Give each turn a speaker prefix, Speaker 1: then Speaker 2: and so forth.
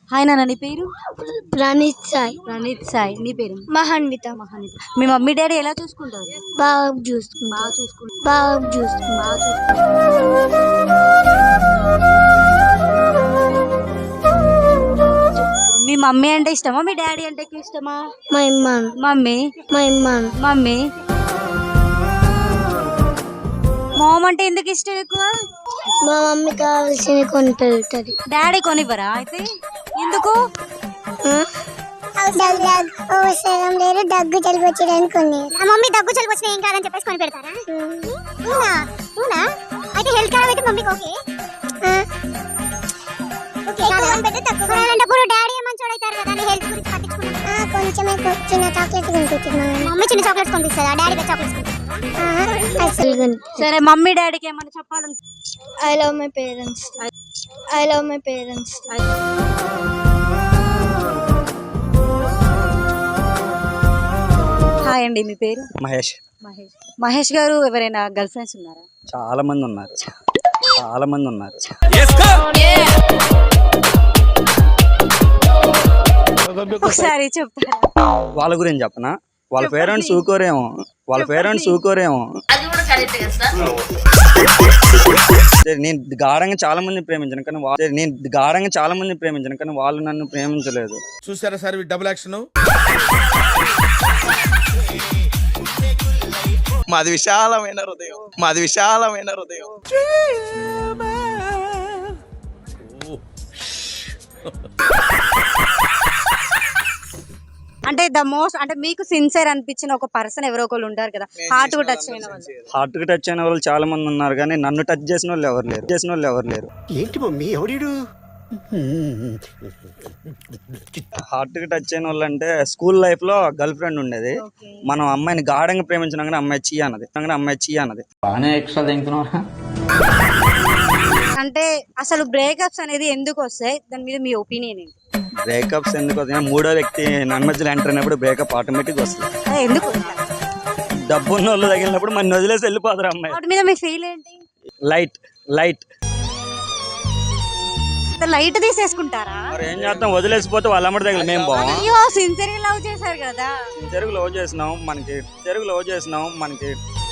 Speaker 1: Hi నాన్న, నీ పేరు?
Speaker 2: ప్రణీత్ సాయి.
Speaker 1: ప్రణీత్ సాయి. నీ పేరు?
Speaker 2: మహాన్విత.
Speaker 1: మహానిత. మీ మమ్మీ డాడీ ఎలా చూసుకుంటారు?
Speaker 2: బాగా చూసుకుంటా.
Speaker 1: మీ మమ్మీ అంటే ఇష్టమా, మీ డాడీ అంటే ఎక్కువ ఇష్టమా?
Speaker 2: మా ఇమ్మాను.
Speaker 1: మమ్మీ. మామ్ అంటే ఎందుకు ఇష్టం ఎక్కువ?
Speaker 2: మా మమ్మీ కావాల్సిన కొని పెరుగుతుంది.
Speaker 1: డాడీ కొనివ్వరా అయితే? ఎందుకు?
Speaker 2: అవసరం లేదు, దగ్గు జలుబు వచ్చేదాన్ని కొన్ని.
Speaker 3: మమ్మీ దగ్గు జలుబు వచ్చినా ఏం కాదని చెప్పేసి కొని పెడతారా? అయితే హెల్త్ ఖరాబ్ అయితే మమ్మీకి ఓకే. డాడీ మంచోడు అవుతారు కదా, హెల్త్ గురించి పట్టించుకుంటారు.
Speaker 2: కొంచెమే చిన్న చాక్లెట్ కొనిపించింది
Speaker 3: మమ్మీ. చిన్న చాక్లెట్స్ కొనిపిస్తుందా? డాడీ చాక్లెట్స్
Speaker 1: సరే, మమ్మీ డాడీకి ఏమన్నా చెప్పాలంటే?
Speaker 2: I love my parents.
Speaker 1: Hi అండి, మీ పేరు?
Speaker 4: మహేష్.
Speaker 1: మహేష్ గారు ఎవరైనా గర్ల్ ఫ్రెండ్స్ ఉన్నారా?
Speaker 4: చాలా మంది ఉన్నారు.
Speaker 1: ఒకసారి చెప్తారా?
Speaker 4: వాళ్ళ గురించి చెప్పనా? వాళ్ళ పేరెంట్స్ ఊకోరేమో. నేను గాఢంగా చాలా మంది ప్రేమించాను కానీ వాళ్ళు నన్ను ప్రేమించలేదు.
Speaker 5: చూసారా సార్ డబుల్ యాక్షన్. మాది విశాలమైన హృదయం.
Speaker 1: అంటే అంటే మీకు సిన్సియర్ అనిపించిన ఒక పర్సన్ ఎవరో ఒకళ్ళు ఉంటారు కదా, హార్ట్ కు టచ్ అయిన
Speaker 4: వాళ్ళు చాలా మంది ఉన్నారు, కానీ నన్ను టచ్ చేసిన వాళ్ళు ఎవరు లేరు.
Speaker 6: ఏంటి మమ్మీ ఎవడు?
Speaker 4: హార్ట్ కి టచ్ అయిన వాళ్ళు అంటే స్కూల్ లైఫ్ లో గర్ల్ ఫ్రెండ్ ఉండేది. మనం అమ్మాయిని గాఢంగా ప్రేమించినా కానీ అమ్మాయి చీ అన్నది.
Speaker 1: అంటే అసలు బ్రేకప్స్ అనేది ఎందుకు వస్తాయి, దాని మీద మీ ఒపీనియన్ ఏంటి?
Speaker 4: బ్రేకప్స్ ఎందుకు వస్తాయి? మూడో వ్యక్తి నన్ను మధ్యలో ఎంటర్ అయినప్పుడు బ్రేకప్ ఆటోమేటిక్ వస్తుంది.
Speaker 1: ఎందుకు?
Speaker 4: డబ్బు ఉన్న వాళ్ళు తగిలినప్పుడు మన వదిలేసి వెళ్ళిపోతారు అమ్మాయి.
Speaker 1: వాటి మీద మీ ఫీల్ ఏంటి? లైట్ తీసేసుకుంటారా?
Speaker 4: మరి ఏం చేస్తాం, వదిలేసిపోతే వాళ్ళ అమ్మడి దగ్గర మేము బాగా
Speaker 1: సిన్సియర్ గా లవ్ చేశారు కదా.
Speaker 4: చెరుకు లవ్ చేసినాం మనకి